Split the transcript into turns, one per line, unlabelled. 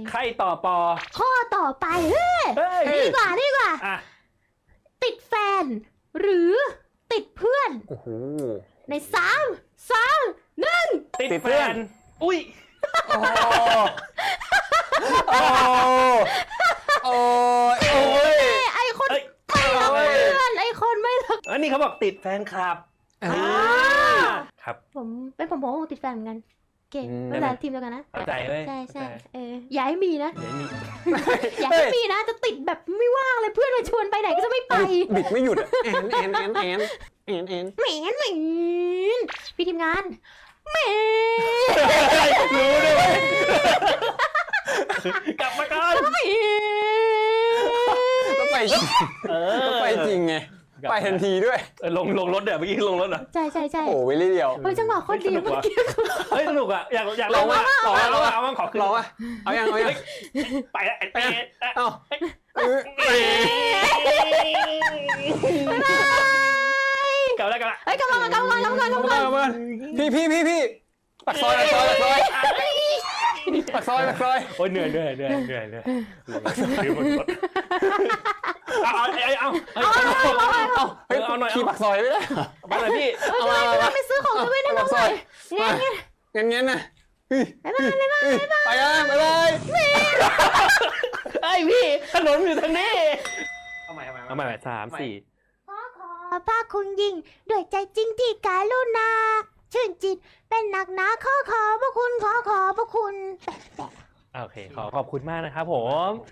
ใครต่อปอ
ข้อต่อไป
เฮ้ย
ดีกว่า
อ่ะ
ติดแฟน หรือติดเพื่อน
โอ้โห
ใน3 2 1
ติดแฟนอุ้ย
โอ้โอ้โอ้โอ้ย
ไอคน
เอ้ย
ไม่รักเพื่อนไอคนไม่รัก
อันนี้เขาบอกติดแฟนคลับครับ
ผมติดแฟนเหมือนกันโอเคไม่เป็นไรทีมเดียวกันนะ
เข้าใจเว้ย
ใช่อย่าให้มีนะ
เดี๋ยวนี้
อย่าให้มีนะจะติดแบบไม่ว่างเลยเพื่อนมาชวนไปไหนก็จะไม่ไป
บิดไม่หยุดอะแอน
เหม็นพี่ทีมงานเหม็น
รู้ด้วยกลับมาก่อน
เหม็น
แล้วไปจริงแล้วไปจริงไงไปทันทีด้วย
ลงรถเดี๋ยวเมื่อกี้ลงรถเหรอ
ใช่
โอ้วิลลี่เดียว
เฮ้ยจังหวะโคตรดีเมื่อกี้
เฮ้ยสนุกอ่ะอยากลองว่าเอาขอขึ้น
ลองอ่ะเอายัง
ไปแล้ว
เอา
กลับแล้ว
เฮ้ยกำลัง
พี่ปักซอย
โอ้ยเหนื่อยเอาหน่อย
ขี่ปักซอยไม่ได้
ไปเลยพี่
ไปซื้อของจะไม่ได้น้องหน่อยงั้น
นะไปอ่ะไปเลย
ไอพี่ขนมอยู่ทางนี้เอาใหม่3 4
ขอพระคุณยิ่งด้วยใจจริงที่การุณาชื่นจิตเป็นหนักหนาขอพระคุณขอพระคุณ
โอเคขอบคุณมากนะครับผม